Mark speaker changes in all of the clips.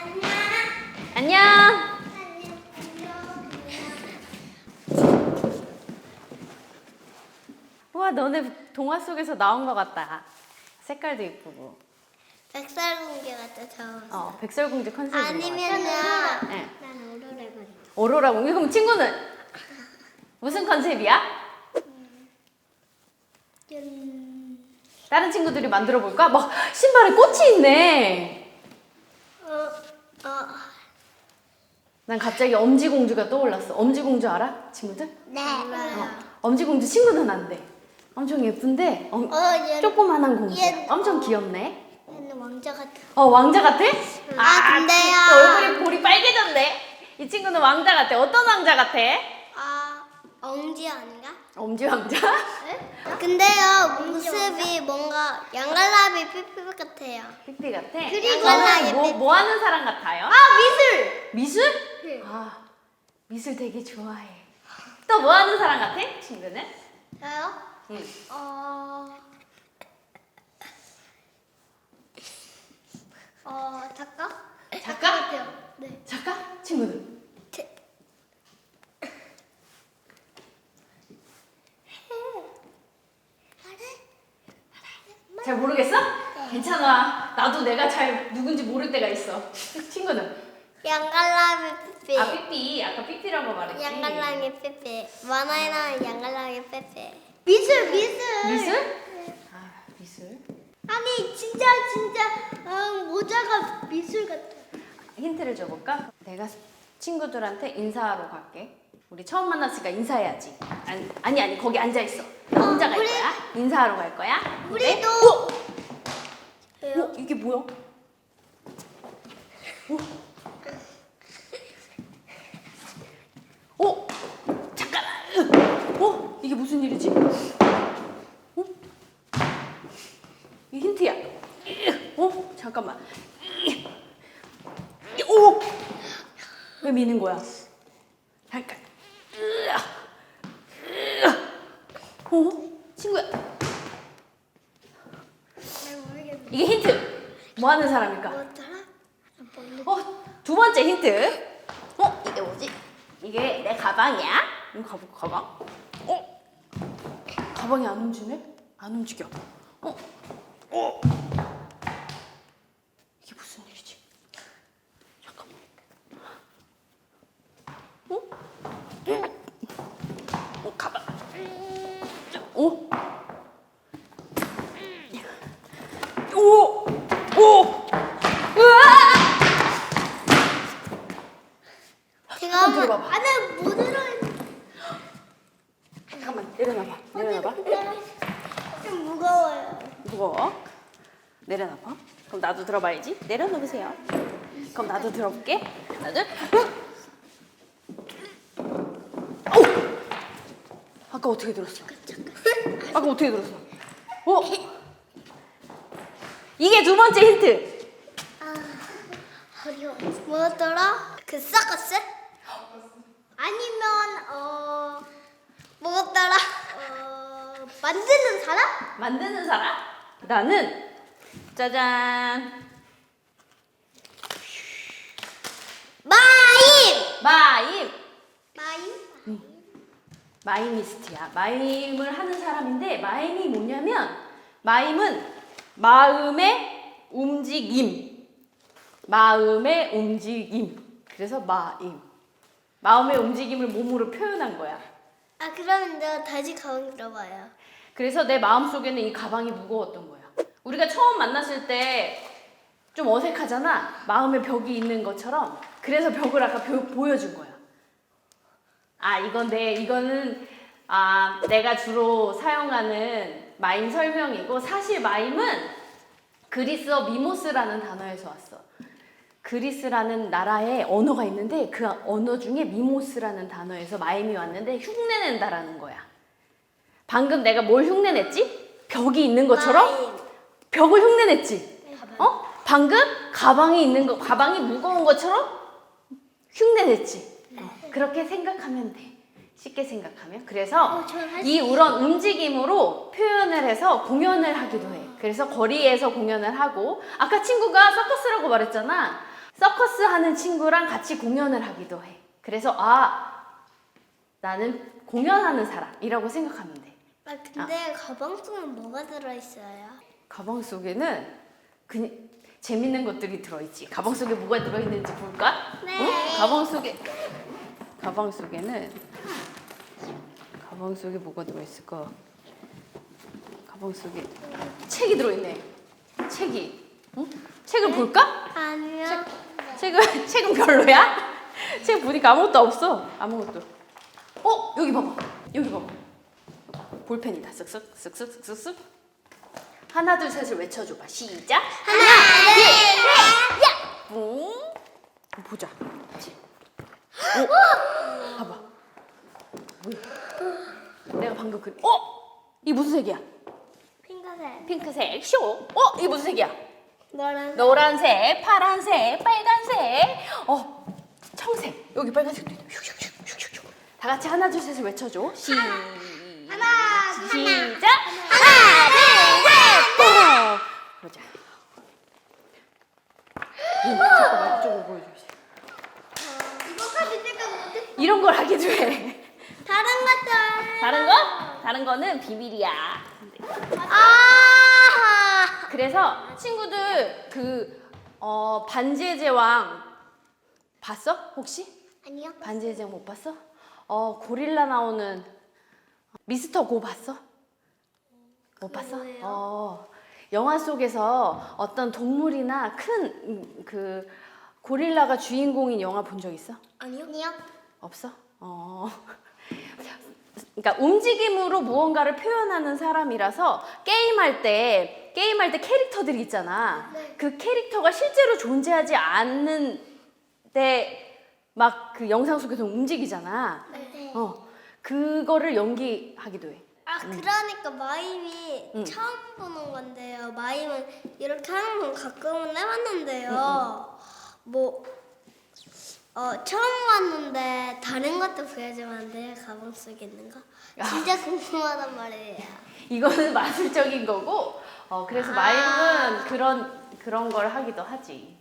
Speaker 1: 안녕. 우와, 너네 동화 속에서 나온 것 같다. 색깔도 이쁘고.
Speaker 2: 백설공주 같아서.
Speaker 1: 백설공주 컨셉인 것 같아.
Speaker 2: 아니면은
Speaker 1: 네.
Speaker 2: 난 오로라 같아.
Speaker 1: 오로라 공주. 그럼 친구는 무슨 컨셉이야? 다른 친구들이 만들어 볼까? 막 신발에 꽃이 있네. 난 갑자기 엄지공주가 떠올랐어. 엄지공주 알아? 친구들?
Speaker 2: 네. 알아요.
Speaker 1: 엄지공주 친구는 안 돼. 엄청 예쁜데 조그만한 공주. 엄청 귀엽네.
Speaker 2: 얘는 왕자 같아.
Speaker 1: 왕자 같아?
Speaker 2: 근데요.
Speaker 1: 또 얼굴이 볼이 빨개졌네. 이 친구는 왕자 같아. 어떤 왕자 같아?
Speaker 2: 엄지 아닌가?
Speaker 1: 엄지 왕자?
Speaker 2: 근데요 모습이 뭔가 양갈라비 삐삐 같아요.
Speaker 1: 삐삐 같아?
Speaker 2: 그리고
Speaker 1: 저는 뭐 하는 사람 같아요?
Speaker 2: 미술.
Speaker 1: 미술?
Speaker 2: 네.
Speaker 1: 미술 되게 좋아해. 또 뭐 하는 사람 같아? 친구는?
Speaker 2: 저요?
Speaker 1: 응.
Speaker 2: 작가?
Speaker 1: 작가?
Speaker 2: 같아요. 네.
Speaker 1: 작가? 친구는? 잘 모르겠어? 괜찮아. 나도 내가 잘 누군지 모를 때가 있어. 친구는?
Speaker 2: 양갈라비 삐삐.
Speaker 1: 삐삐. 아까 삐삐라고 말했지.
Speaker 2: 양갈라비 삐삐. 만화에 나오는 양갈라비 삐삐. 미술.
Speaker 1: 미술? 미술.
Speaker 2: 아니 진짜 모자가 미술 같아.
Speaker 1: 힌트를 줘볼까? 내가 친구들한테 인사하러 갈게. 우리 처음 만났으니까 인사해야지. 아니 거기 앉아있어. 나 혼자 갈 거야. 인사하러 갈 거야.
Speaker 2: 우리도.
Speaker 1: 왜요? 이게 뭐야? 잠깐만. 이게 무슨 일이지? 이 힌트야. 잠깐만. 왜 미는 거야? 잠깐. 친구야. 이게 힌트. 뭐 하는 사람일까?
Speaker 2: 뭐더라?
Speaker 1: 두 번째 힌트. 이게 뭐지? 이게 내 가방이야. 이거 가방. 가방이 안 움직이네? 안 움직여. 이게 무슨 일이지? 잠깐만. 가방. 으아!
Speaker 2: 제가
Speaker 1: 들어봐봐.
Speaker 2: 안에 뭐 들어있는?
Speaker 1: 잠깐만 내려놔봐.
Speaker 2: 좀 무거워요.
Speaker 1: 무거워. 내려놔봐. 그럼 나도 들어봐야지. 내려놓으세요. 그럼 나도 들어볼게. 하나 둘. 아까 어떻게 들었어? 아까 어떻게 들었어? 이게 두 번째 힌트.
Speaker 2: 어려워. 뭐더라? 그 서커스? 아니면 뭐더라? 만드는 사람?
Speaker 1: 만드는 사람? 나는 짜잔. 마임. 마이미스트야. 마임을 하는 사람인데 마임이 뭐냐면 마임은 마음의 움직임. 그래서 마임. 마음의 움직임을 몸으로 표현한 거야.
Speaker 2: 그러면 내가 다시 가방 들어봐요.
Speaker 1: 그래서 내 마음속에는 이 가방이 무거웠던 거야. 우리가 처음 만났을 때 좀 어색하잖아. 마음의 벽이 있는 것처럼. 그래서 벽을 아까 보여준 거야. 이거는 내가 주로 사용하는 마임 설명이고, 사실 마임은 그리스어 미모스라는 단어에서 왔어. 그리스라는 나라에 언어가 있는데 그 언어 중에 미모스라는 단어에서 마임이 왔는데 흉내낸다라는 거야. 방금 내가 뭘 흉내냈지? 벽이 있는 것처럼 벽을 흉내냈지? 방금 가방이 무거운 것처럼 흉내냈지? 그렇게 생각하면 돼. 쉽게 생각하면. 그래서 이런 움직임으로 표현을 해서 공연을 하기도 해. 그래서 거리에서 공연을 하고, 아까 친구가 서커스라고 말했잖아. 서커스 하는 친구랑 같이 공연을 하기도 해. 그래서 나는 공연하는 사람이라고 생각하면 돼.
Speaker 2: 근데 가방 속엔 뭐가 들어있어요?
Speaker 1: 가방 속에는 재밌는 것들이 들어있지. 가방 속에 뭐가 들어있는지 볼까?
Speaker 2: 네.
Speaker 1: 응? 가방 속에 뭐가 들어있을까? 가방 속에 책이 들어있네. 응? 책을 볼까?
Speaker 2: 아니요.
Speaker 1: 책은 별로야? 책 보니까 아무것도 없어. 아무것도. 여기 봐봐. 볼펜이다. 쓱쓱. 하나 둘 셋을 외쳐줘봐. 시작.
Speaker 2: 하나, 둘, 셋,
Speaker 1: 뿡. 보자. 그치? 봐봐. 뭐야? 내가 방금 이 무슨 색이야?
Speaker 2: 핑크색.
Speaker 1: 핑크색. 쇼. 이 무슨 색이야?
Speaker 2: 노란색.
Speaker 1: 노란색, 파란색, 빨간색. 청색. 여기 빨간색도 있네. 슉슉슉슉슉. 다 같이 하나 둘 셋을 외쳐줘. 시작. 하나, 둘, 셋. 보자. 잠깐만 이쪽으로 보여주세요.
Speaker 2: 이거까지 찍어 못해.
Speaker 1: 이런 걸 하기도 해.
Speaker 2: 다른 것들.
Speaker 1: 다른 거? 다른 거는 비밀이야. 그래서 친구들 반지의 제왕 봤어? 혹시?
Speaker 2: 아니요.
Speaker 1: 반지의 제왕 못 봤어? 고릴라 나오는 미스터 고 봤어? 못 봤어?
Speaker 2: 뭐예요?
Speaker 1: 영화 속에서 어떤 동물이나 큰 고릴라가 주인공인 영화 본 적 있어?
Speaker 2: 아니요.
Speaker 1: 없어? 그러니까 움직임으로 무언가를 표현하는 사람이라서 게임할 때 캐릭터들이 있잖아.
Speaker 2: 네.
Speaker 1: 그 캐릭터가 실제로 존재하지 않는데 막 그 영상 속에서 움직이잖아.
Speaker 2: 네.
Speaker 1: 그거를 연기하기도 해.
Speaker 2: 그러니까 마임이 처음 보는 건데요. 마임은 이렇게 하는 건 가끔은 해봤는데요. 처음 봤는데 다른 것도 보여주면 안 돼요? 가방 속에 있는 거? 진짜 궁금하단 말이에요.
Speaker 1: 이거는 마술적인 거고, 그래서 마임은 그런 걸 하기도 하지.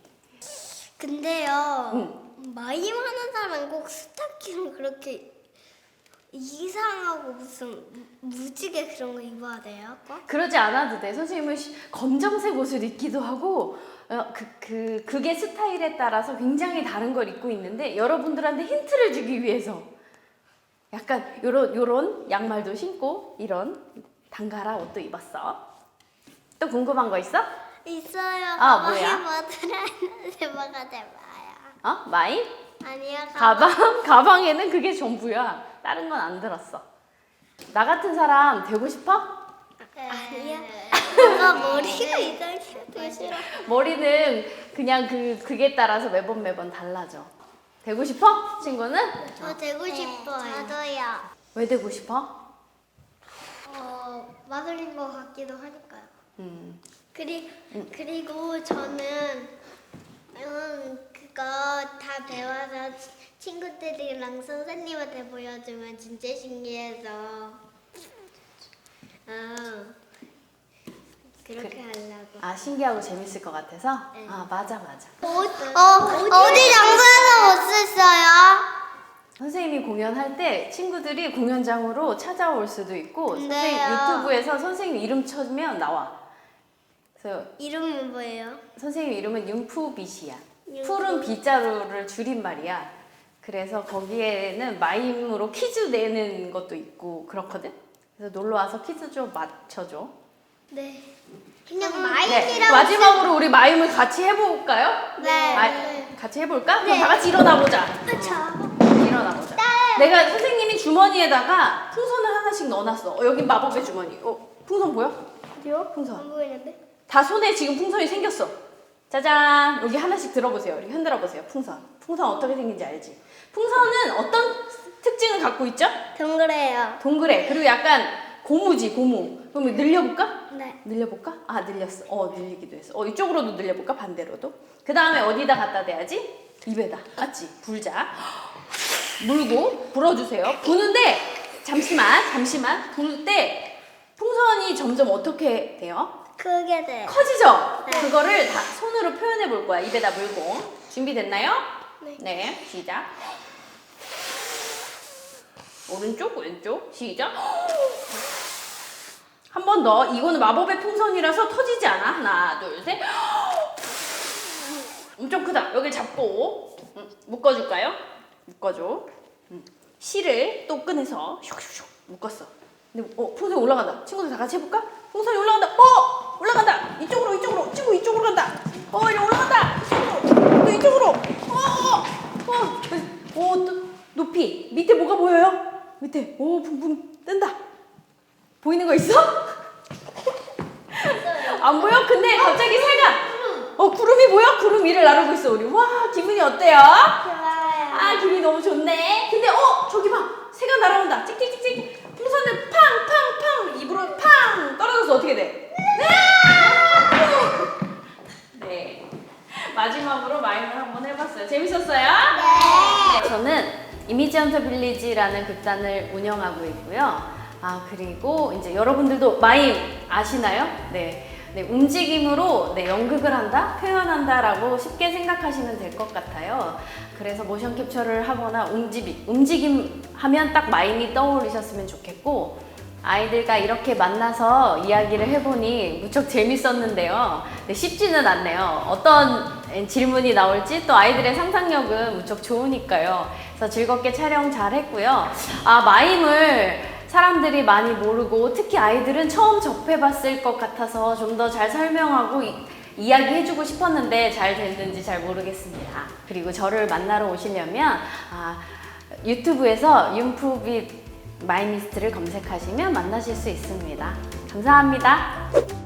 Speaker 2: 근데요, 마임 하는 사람은 꼭 스타킹을 그렇게 이상하고 무슨 무지개 그런 거 입어야 돼요? 꼭?
Speaker 1: 그러지 않아도 돼. 선생님은 검정색 옷을 입기도 하고, 그게 스타일에 따라서 굉장히 다른 걸 입고 있는데, 여러분들한테 힌트를 주기 위해서 약간 요런 양말도 신고, 이런 단가라 옷도 입었어. 또 궁금한 거 있어?
Speaker 2: 있어요.
Speaker 1: 뭐야?
Speaker 2: 뭐 들어있는지 뭐가 돼봐요.
Speaker 1: 마임?
Speaker 2: 아니요.
Speaker 1: 가방에는 그게 전부야. 다른 건 안 들었어. 나 같은 사람 되고 싶어?
Speaker 2: 아니요. 뭔가 머리가 이상해서 되게 싫어.
Speaker 1: 머리는 그냥 그게 따라서 매번 달라져. 되고 싶어? 친구는?
Speaker 2: 저 되고 싶어요. 저도요.
Speaker 1: 왜 되고 싶어?
Speaker 2: 마술인 것 같기도 하니까요.
Speaker 1: 음.
Speaker 2: 그리고 저는 그거 다 배워서 친구들이랑 선생님한테 보여주면 진짜 신기해서 그렇게 하려고.
Speaker 1: 신기하고 재밌을 것 같아서?
Speaker 2: 네.
Speaker 1: 맞아.
Speaker 2: 어디 장소에서 못 썼어요?
Speaker 1: 선생님이 공연할 때 친구들이 공연장으로 찾아올 수도 있고,
Speaker 2: 네.
Speaker 1: 선생님 유튜브에서 선생님 이름 쳐주면 나와. 그래서
Speaker 2: 이름이 뭐예요?
Speaker 1: 선생님 이름은 융푸빗이야.
Speaker 2: 융푸.
Speaker 1: 푸른 빗자루를 줄임말이야. 그래서 거기에는 마임으로 퀴즈 내는 것도 있고 그렇거든. 그래서 놀러 와서 퀴즈 좀 맞춰줘.
Speaker 2: 네. 그냥
Speaker 1: 네.
Speaker 2: 마임이라고.
Speaker 1: 마지막으로 우리 마임을 같이 해볼까요?
Speaker 2: 네.
Speaker 1: 같이 해볼까?
Speaker 2: 네.
Speaker 1: 그럼 다 같이 일어나 보자.
Speaker 2: 그쵸.
Speaker 1: 일어나 보자. 내가 선생님이 주머니에다가 풍선을 하나씩 넣어놨어. 여기 마법의 주머니. 풍선 보여?
Speaker 2: 어디요?
Speaker 1: 풍선.
Speaker 2: 안 보이는데?
Speaker 1: 다 손에 지금 풍선이 생겼어. 짜잔. 여기 하나씩 들어보세요. 이렇게 흔들어 보세요. 풍선 어떻게 생긴지 알지? 풍선은 어떤 특징을 갖고 있죠?
Speaker 2: 동그래요.
Speaker 1: 동그래. 그리고 약간 고무지, 고무. 그럼 늘려볼까?
Speaker 2: 네.
Speaker 1: 늘려볼까? 늘렸어. 늘리기도 했어. 이쪽으로도 늘려볼까? 반대로도. 그 다음에 어디다 갖다 대야지? 입에다. 맞지? 불자. 물고 불어주세요. 부는데 잠시만. 불 때 풍선이 점점 어떻게 돼요?
Speaker 2: 크게 돼.
Speaker 1: 커지죠?
Speaker 2: 네.
Speaker 1: 그거를 다 손으로 표현해 볼 거야. 입에다 물고. 준비됐나요?
Speaker 2: 네.
Speaker 1: 네, 시작. 오른쪽, 왼쪽, 시작. 한 번 더. 이거는 마법의 풍선이라서 터지지 않아. 하나, 둘, 셋. 엄청 크다. 여기 잡고 묶어줄까요? 묶어줘. 실을 또 꺼내서 슉슉슉 묶었어. 근데 풍선이 올라간다. 친구들 다 같이 해볼까? 풍선이 올라간다. 올라간다. 이쪽으로. 친구 이쪽으로 간다. 이리 올라간다. 이쪽으로. 또 이쪽으로. 또 높이. 밑에 뭐가 보여요? 밑에. 붕붕 뜬다. 보이는 거 있어? 안 보여? 근데 갑자기 새가 구름이 보여? 구름 위를 나르고 있어 우리. 와, 기분이 어때요?
Speaker 2: 좋아요.
Speaker 1: 기분이 너무 좋네. 근데 저기 봐. 새가 날아온다. 찍찍찍찍. 풍선을 팡팡팡 입으로 팡 떨어져서 어떻게 돼? 네. 마지막으로 마임을 한번 해봤어요. 재밌었어요? 네. 저는 이미지 헌터 빌리지라는 극단을 운영하고 있고요. 그리고 이제 여러분들도 마임 아시나요? 네. 움직임으로 연극을 한다, 표현한다라고 쉽게 생각하시면 될 것 같아요. 그래서 모션 캡처를 하거나 움직임 하면 딱 마임이 떠오르셨으면 좋겠고, 아이들과 이렇게 만나서 이야기를 해보니 무척 재밌었는데요. 쉽지는 않네요. 어떤 질문이 나올지 또 아이들의 상상력은 무척 좋으니까요. 그래서 즐겁게 촬영 잘 했고요. 마임을 사람들이 많이 모르고 특히 아이들은 처음 접해봤을 것 같아서 좀 더 잘 설명하고 이야기해주고 싶었는데 잘 됐는지 잘 모르겠습니다. 그리고 저를 만나러 오시려면 유튜브에서 윤푸빗 마이미스트를 검색하시면 만나실 수 있습니다. 감사합니다.